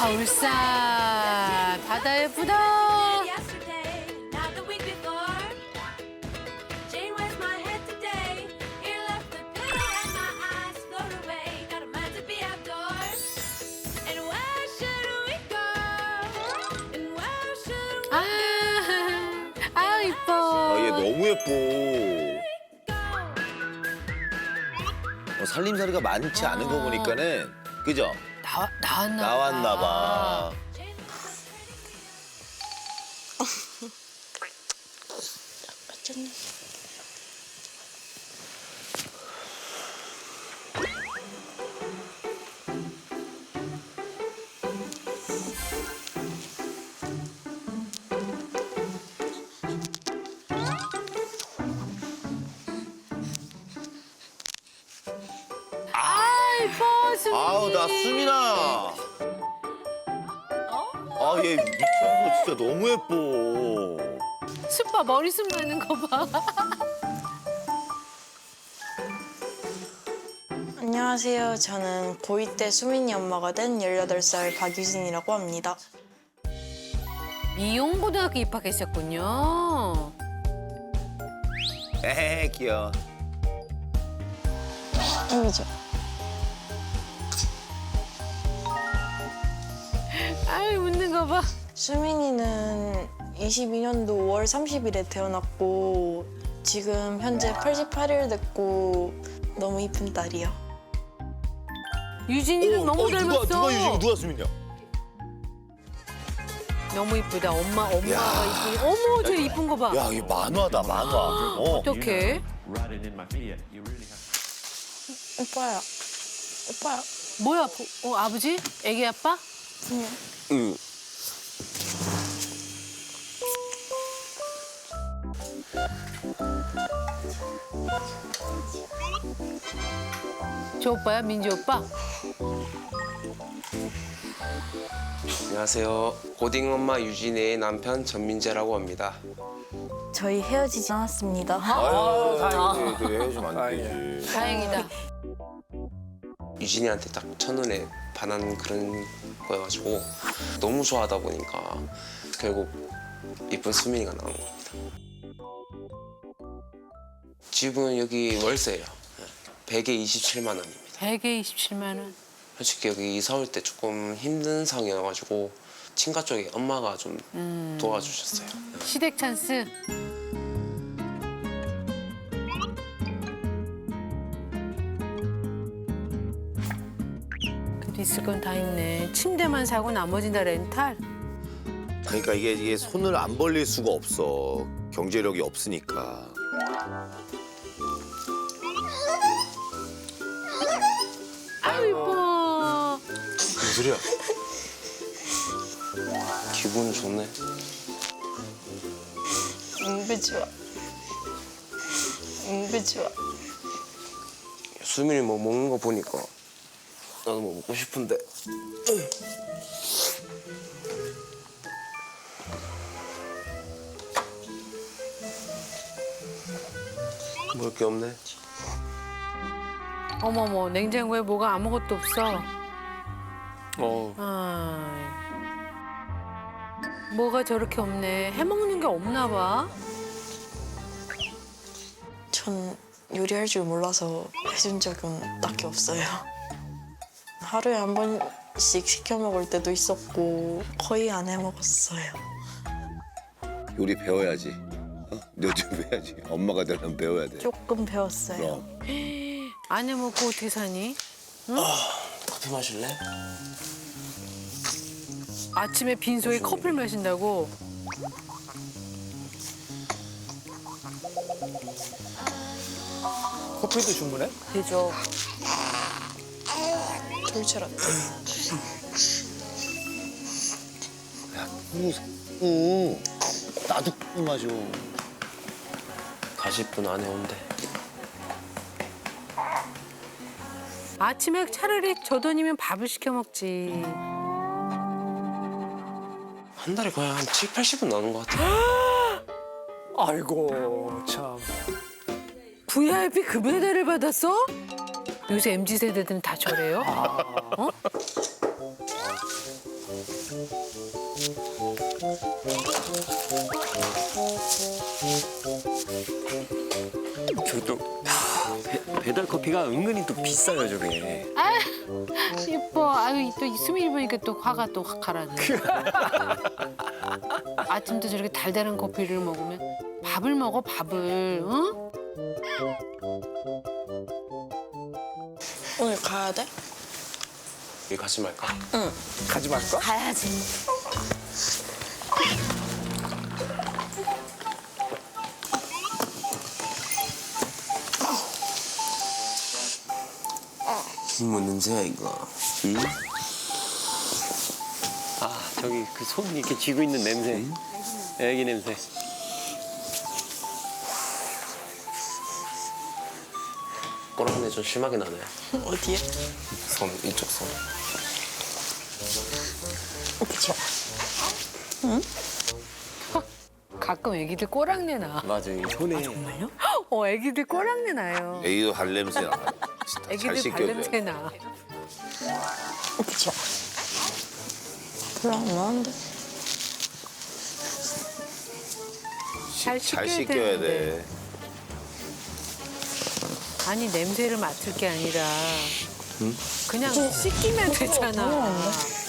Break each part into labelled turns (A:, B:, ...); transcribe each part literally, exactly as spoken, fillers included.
A: 아, 울산. 바다 예쁘다. 아, 아, 이뻐.
B: 아, 얘 너무 예뻐. 어, 살림살이가 많지 않은 거 보니까는 그죠?
A: 나와, 나왔나 봐.
B: 나왔나 봐.
A: 아, 이뻐, 수민이.
B: 아우, 나 수민아. 아, 얘 미쳤어. 진짜 너무 예뻐.
A: 숯봐, 머리숱 많은 거 봐.
C: 안녕하세요. 저는 고이 때 수민이 엄마가 된 열여덟 살 박유진이라고 합니다.
A: 미용고등학교 입학했었군요.
B: 에헤, 귀여워.
C: 여기죠.
A: 아이, 웃는 거 봐.
C: 수민이는 이십이 년도 오월 삼십일에 태어났고 지금 현재 팔십팔 일 됐고 너무 이쁜 딸이요.
A: 유진이랑 너무
B: 어,
A: 닮았어.
B: 누가, 누가 유진이, 누가 수민이야?
A: 너무 이쁘다. 엄마, 엄마가
B: 야.
A: 이쁘니. 어머, 저 이쁜 거 봐.
B: 야, 이게 만화다, 만화. 어.
A: 어떡해?
C: 오빠야. 오빠야.
A: 뭐야, 보- 어, 아버지? 애기 아빠?
C: 응.
B: 응.
A: 저 오빠야, 민지 오빠?
D: 안녕하세요. 고딩 엄마 유진의 남편 전민재라고 합니다.
C: 저희 헤어지지 않았습니다.
B: 아유, 다행이지. 그래, 헤어지면 안 되지.
A: 다행이다.
D: 유진이한테 딱 첫눈에 반한 그런 거여가지고 너무 좋아하다 보니까 결국 이쁜 수민이가 나온 겁니다. 집은 여기 월세예요. 백에 이십칠만 원입니다.
A: 백에 이십칠만 원.
D: 솔직히 여기 이사 올 때 조금 힘든 상황이어가지고 친가 쪽에 엄마가 좀
A: 음.
D: 도와주셨어요.
A: 시댁 찬스. 그래도 있을 건 다 있네. 침대만 사고 나머지는 다 렌탈.
B: 그러니까 이게, 이게 손을 안 벌릴 수가 없어. 경제력이 없으니까.
A: 아유, 이뻐.
B: 무슨 소리야?
D: 기분 좋네.
C: 응배 좋아. 응배 좋아.
D: 수민이 뭐 먹는 거 보니까 나도 뭐 먹고 싶은데. 먹을 게 없네.
A: 어머머, 냉장고에 뭐가 아무것도 없어.
D: 어.
A: 아, 뭐가 저렇게 없네. 해먹는 게 없나 봐.
C: 전 요리할 줄 몰라서 해준 적은 딱히 없어요. 하루에 한 번씩 시켜 먹을 때도 있었고 거의 안 해 먹었어요.
B: 요리 배워야지. 어? 너좀 배워야지. 엄마가 되려면 배워야 돼.
C: 조금 배웠어요.
B: 그럼.
A: 안 해먹고 어떻게 사니?
D: 커피 마실래?
A: 아침에 빈속에 커피를 마신다고?
E: 커피도 주문해?
C: 되죠. 돌체라떼.
B: 야, 꾸, 꾸. 나도 꾸 마셔.
D: 사십 분 안에 온대.
A: 아침에 차라리 저 돈이면 밥을 시켜 먹지.
D: 한 달에 거의 한 칠, 팔십은 나오는 것 같아.
E: 아이고 참.
A: 브이아이피 급여대를 받았어? 요새 엠지 세대들은 다 저래요? 어?
E: 저도 배, 배달 커피가 은근히 또 비싸요 저게.
A: 아, 예뻐. 아유, 또 수민이 보니까 또 화가 또 확 가라네. 아침도 저렇게 달달한 커피를 먹으면 밥을 먹어, 밥을. 응?
C: 오늘 가야 돼?
D: 우리 같이 말까?
C: 응.
E: 가지 말까?
C: 가야지.
D: 뭐 냄새야 이거? 응?
E: 아 저기 그 손 이렇게 쥐고 있는 냄새. 애기 냄새.
D: 꼬랑내 좀 심하게 나네.
C: 어디에?
D: 손 이쪽 손.
C: 그쵸.
A: 가끔 애기들 꼬랑내 나.
E: 맞아 이 손에.
A: 어, 애기들 꼬랑내 나요.
B: 애기도 발냄새 나. 진짜 잘
A: 애기들
B: 씻겨줘야
A: 발냄새
B: 돼.
A: 나.
C: 그쵸. 별로 안 나는데.
A: 잘
B: 잘
A: 씻겨야
B: 씻겨야
A: 되는데.
B: 돼.
A: 아니, 냄새를 맡을 게 아니라 그냥 씻기면 되잖아.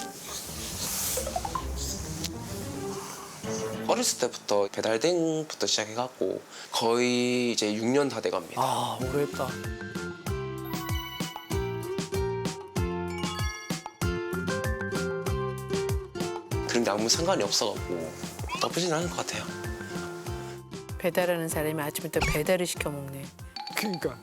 D: 어렸을 때부터 배달댕부터 시작해갖고 거의 이제 육 년 다 돼갑니다.
E: 아 오래했다.
D: 그런데 아무 상관이 없어갖고 나쁘진 않을 것 같아요.
A: 배달하는 사람이 아침부터 배달을 시켜 먹네.
E: 그러니까.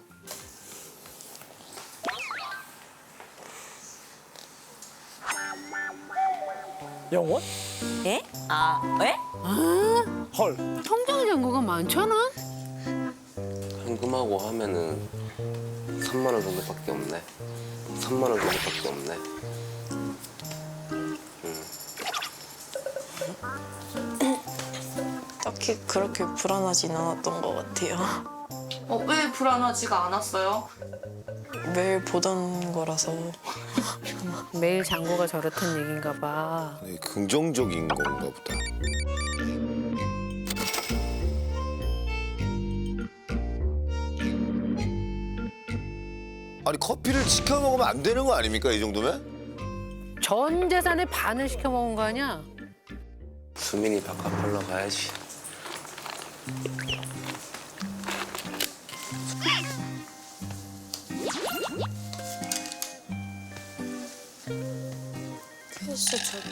E: 영원?
F: 예? 아, 왜?
E: 헐.
A: 통장 잔고가 많잖아?
D: 현금하고 하면은 삼만 원 정도밖에 없네. 삼만 원 정도밖에 없네.
C: 딱히 그렇게 불안하진 않았던 것 같아요.
G: 어, 왜 불안하지가 않았어요?
C: 매일 보던 거라서.
A: 매일 잔고가 저렇단 얘긴가 봐.
B: 네, 긍정적인 건가 보다. 아니 커피를 시켜 먹으면 안 되는 거 아닙니까 이 정도면?
A: 전 재산의 반을 시켜 먹은 거 아니야?
D: 수민이 바깥 벌러 가야지.
C: 글쎄 저기.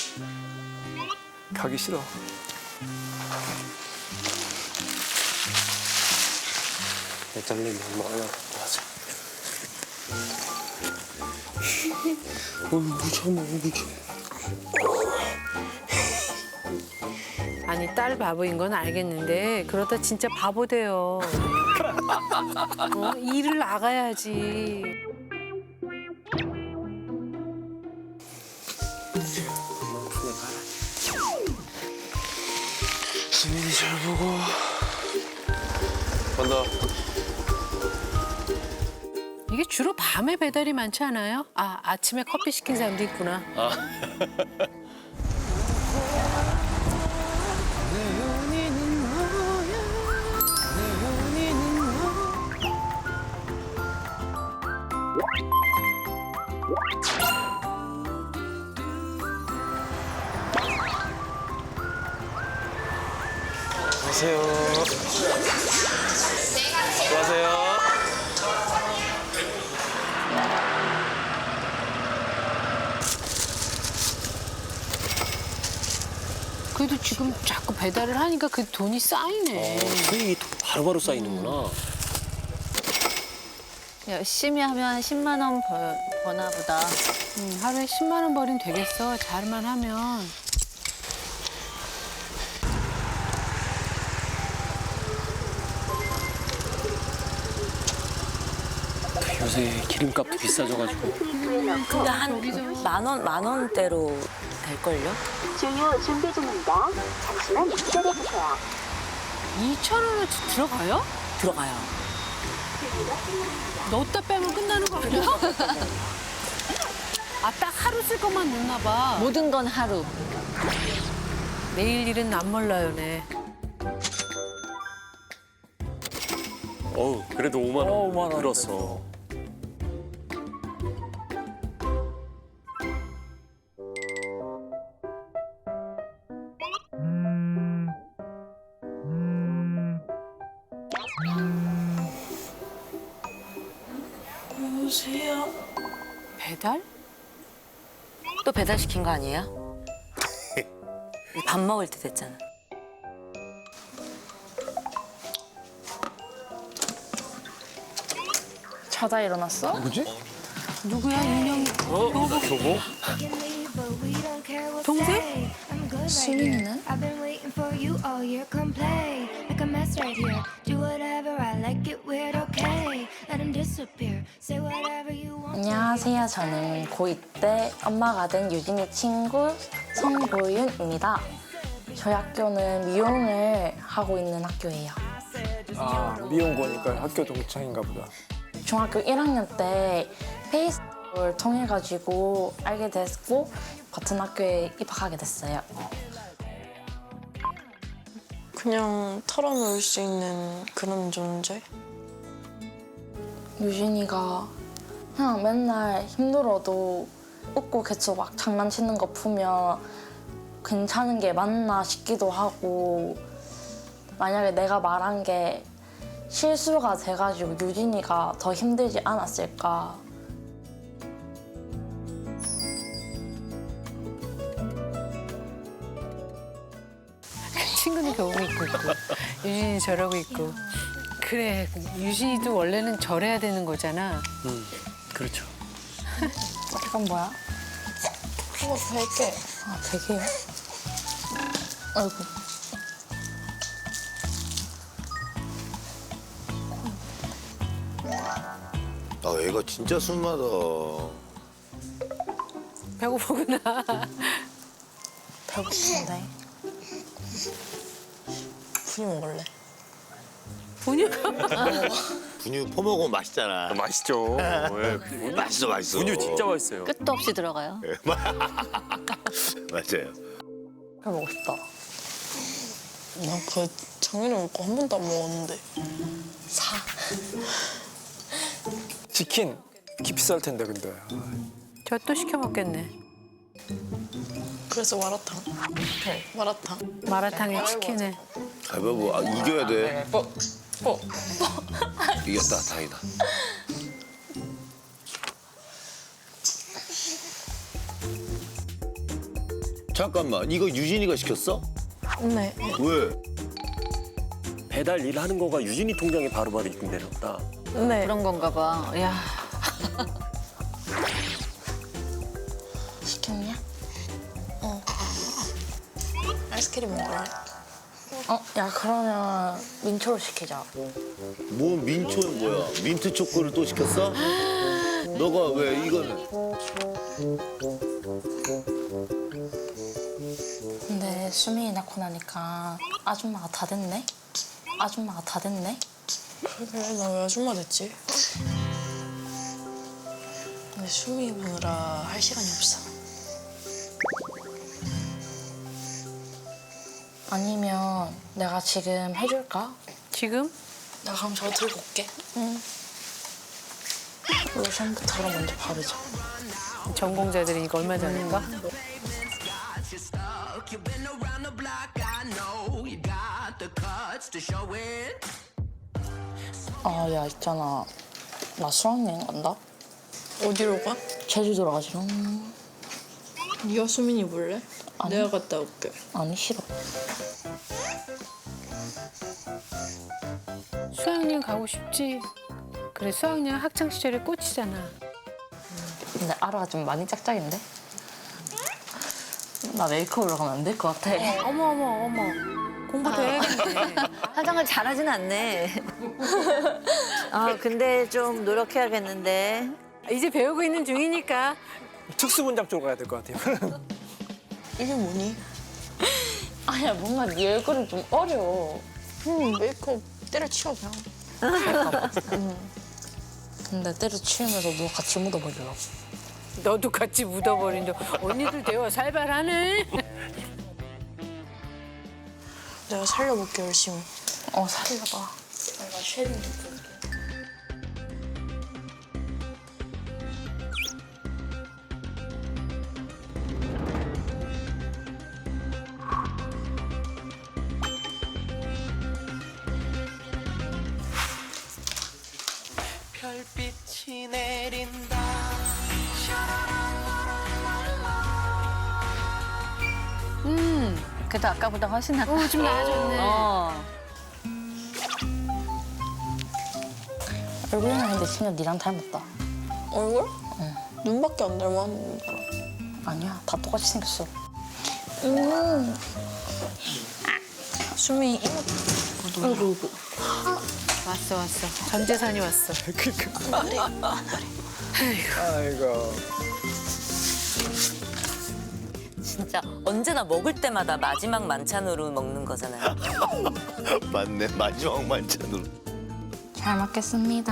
E: 가기 싫어.
D: 내 딸내미 엄마 하나 갖고 하자. 어, 무서워, 무서워.
A: 아니, 딸 바보인 건 알겠는데 그러다 진짜 바보 돼요. 어? 일을 나가야지.
D: 수민이 잘 보고. 간다.
A: 이게 주로 밤에 배달이 많지 않아요? 아, 아침에 커피 시킨 사람도 있구나.
D: 안녕하세요. 안녕하세요.
A: 그래도 지금 자꾸 배달을 하니까 그 돈이 쌓이네.
E: 수익이 바로바로 쌓이는구나.
F: 열심히 하면 십만 원 벌, 버나 보다.
A: 음, 하루에 십만 원 벌이면 되겠어. 잘만 하면.
E: 요새 기름값도 비싸져가지고.
F: 근데 한 만 원, 만 원대로 될걸요?
H: 주유 준비 중입니다. 잠시만 기다려주세요.
A: 이천 원어치 들어가요?
F: 들어가요.
A: 넣었다 빼면 끝나는 거 아니야? 아, 딱 하루 쓸 것만 넣나 봐.
F: 모든 건 하루.
A: 내일 일은 안 몰라요, 네.
E: 어우, 그래도 오만 원,
I: 어, 오만 원
E: 들었어.
C: 여보세요?
A: 배달?
F: 또 배달시킨 거 아니에요? 밥 먹을 때 됐잖아.
C: 자다 일어났어?
A: 누구야, 윤영이?
E: 어? 교복?
A: 동생?
C: 수민이는?
J: I've been waiting for you all year. Come play like a mess right here. Do whatever I like it weird, okay? Let him disappear. Say whatever you want.
C: 안녕하세요. 저는 고이 때 엄마가 된 유진이 친구 성보윤입니다. 저희 학교는 미용을 하고 있는 학교예요.
I: 아, 미용고니까 학교 동창인가 보다.
C: 중학교 일 학년 때 페이스북을 통해 가지고 알게 됐고 같은 학교에 입학하게 됐어요. 그냥 털어놓을 수 있는 그런 존재? 유진이가 그냥 맨날 힘들어도 웃고 계속 막 장난치는 거 보면 괜찮은 게 맞나 싶기도 하고 만약에 내가 말한 게 실수가 돼가지고 유진이가 더 힘들지 않았을까.
A: 친구는 교복 입고 있고, 유진이 저러고 있고. 그래, 유진이도 원래는 저래야 되는 거잖아.
E: 음, 그렇죠.
C: 이건 뭐야? 이거 베개. 아, 베개요? 아이고.
B: 아 애가 진짜 순하다.
A: 배고프구나.
C: 배고픈데. 분유 먹을래?
A: 분유?
B: 분유 퍼먹으면 맛있잖아.
E: 맛있죠. 예, 분유,
B: 맛있어 맛있어.
E: 분유 진짜 맛있어요.
F: 끝도 없이 들어가요.
B: 맞아요.
C: 배 먹고 싶다. 나 그 장인을 먹고 한 번도 안 먹었는데. 사.
I: 치킨 비쌀 텐데 근데.
A: 저 또 시켜 먹겠네.
C: 그래서 마라탕. 마라탕.
A: 마라탕에 치킨에.
B: 가위바위보 아, 이겨야 돼.
C: 어, 어.
B: 이겼다 다행이다. 잠깐만 이거 유진이가 시켰어?
C: 네.
B: 왜?
E: 배달 일 하는 거가 유진이 통장에 바로바로 입금되나 보다.
C: 네.
F: 그런 건가 봐. 야.
C: 시켰냐? 어. 아이스크림 먹을래? 어, 야 그러면 민초로 시키자.
B: 뭐 민초는 뭐야? 민트 초코를 또 시켰어? 너가 왜 이거는?
C: 근데 수민이 낳고 나니까 아줌마가 다 됐네? 아줌마가 다 됐네? 그래, 나 왜 아줌마 됐지? 근데 수민이 보느라 할 시간이 없어. 아니면 내가 지금 해줄까?
A: 지금?
C: 나 그럼 저거 들고 올게. 응. 로션부터 그럼 먼저 바르자.
A: 전공자들이니까 얼마 전인가?
C: 아, 야, 있잖아. 나 수학여행 간다? 어디로 가? 제주도로 가지롱. 네가 수민이 볼래? 아니. 내가 갔다 올게. 아니, 싫어.
A: 수학여행 가고 싶지. 그래, 수학여행 학창시절의 꽃이잖아.
C: 근데 아라가 좀 많이 짝짝인데? 나 메이크업으로 가면 안 될 것 같아.
A: 어머, 어머, 어머. 공부도 해야겠네.
F: 화장을 잘하진 않네. 아 근데 좀 노력해야겠는데.
A: 이제 배우고 있는 중이니까.
I: 특수분장 쪽으로 가야 될 것 같아요.
C: 이게 뭐니? 아니야, 뭔가 네 얼굴은 좀 어려워. 응, 메이크업 때려치워, 그냥. 응. 근데 때려치우면서 누가 같이 묻어버리려고.
A: 너도 같이 묻어버린다. 언니들 대화 살벌하네.
G: 내가 살려볼게 열심히.
C: 어 살려봐. 내가 쉐딩 좀 줄게.
D: 별빛이 내린다.
A: 음,
F: 그래도 아까보다 훨씬 낫다.
A: 어, 좀 나아졌네.
F: 어.
C: 얼굴은 근데 진짜 니랑 닮았다.
G: 얼굴? 응. 눈밖에 안 닮았는데.
C: 아니야 다 똑같이 생겼어.
G: 음. 수미
C: 아이고
A: 왔어, 왔어. 전 재산이 왔어.
I: 아이고.
F: 진짜 언제나 먹을 때마다 마지막 만찬으로 먹는 거잖아요.
B: 맞네 마지막 만찬으로.
C: 잘 먹겠습니다.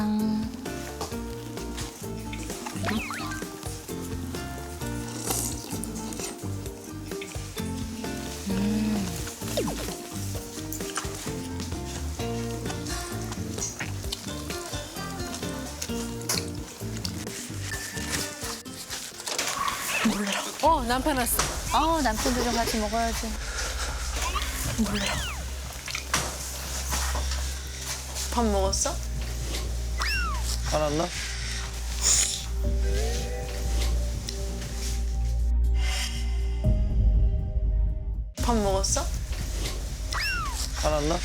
A: 어, 남편 왔어.
F: 아 남편도 좀 같이 먹어야지.
G: 밥 먹었어?
I: 화났나?
G: 밥 먹었어?
I: 화났나?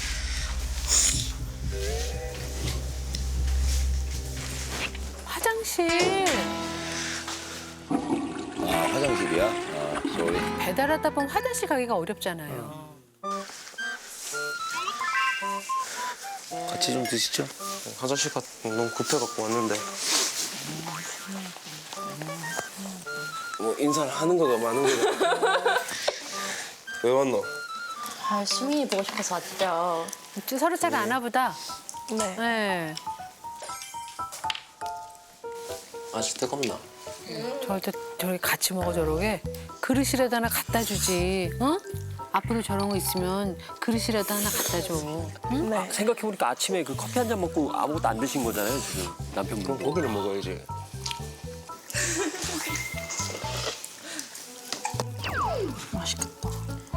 A: 화장실.
B: 아 화장실이야? 아 쏘리.
A: 배달하다 보면 화장실 가기가 어렵잖아요.
B: 같이 좀 드시죠.
D: 화장실 가 너무 급해갖고 왔는데. 뭐 인사를 하는 거가 많은 거다. 왜 왔노?
C: 아 수민이 보고 싶어서 왔죠.
A: 좀 서로 잘 아나 보다.
G: 네.
A: 네.
D: 아직 뜨겁나?
A: 저한테 저렇게 같이 먹어 저러게. 그릇이라도 하나 갖다 주지. 어? 앞으로 저런 거 있으면 그릇이라도 하나 갖다 줘. 응?
G: 네.
E: 생각해보니까 아침에 그 커피 한 잔 먹고 아무것도 안 드신 거잖아요, 지금 남편분.
D: 그럼 고기를 먹어야지.
C: 맛있겠다.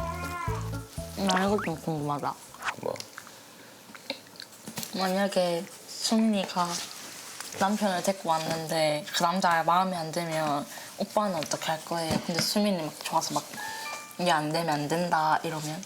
C: 나 이거 좀 궁금하다.
D: 뭐?
C: 만약에 수민이가 남편을 데리고 왔는데 그 남자가 마음에 안 들면 오빠는 어떻게 할 거예요? 근데 수민이 막 좋아서 막 이게 안 되면 안 된다 이러면?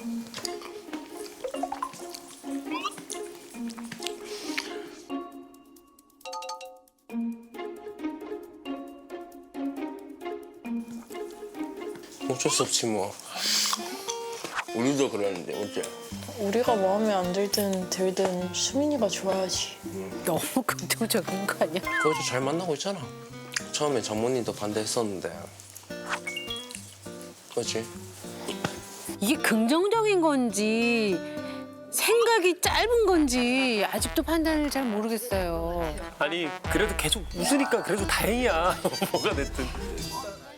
D: 어쩔 수 없지 뭐. 우리도 그러는데 어째?
G: 우리가 마음에 안 들든 들든 수민이가 좋아야지.
A: 너무 긍정적인 거 아니야?
D: 그래도 잘 만나고 있잖아. 처음에 장모님도 반대했었는데. 그렇지?
A: 이게 긍정적인 건지 생각이 짧은 건지 아직도 판단을 잘 모르겠어요.
E: 아니 그래도 계속 웃으니까 그래도 다행이야. 뭐가 됐든.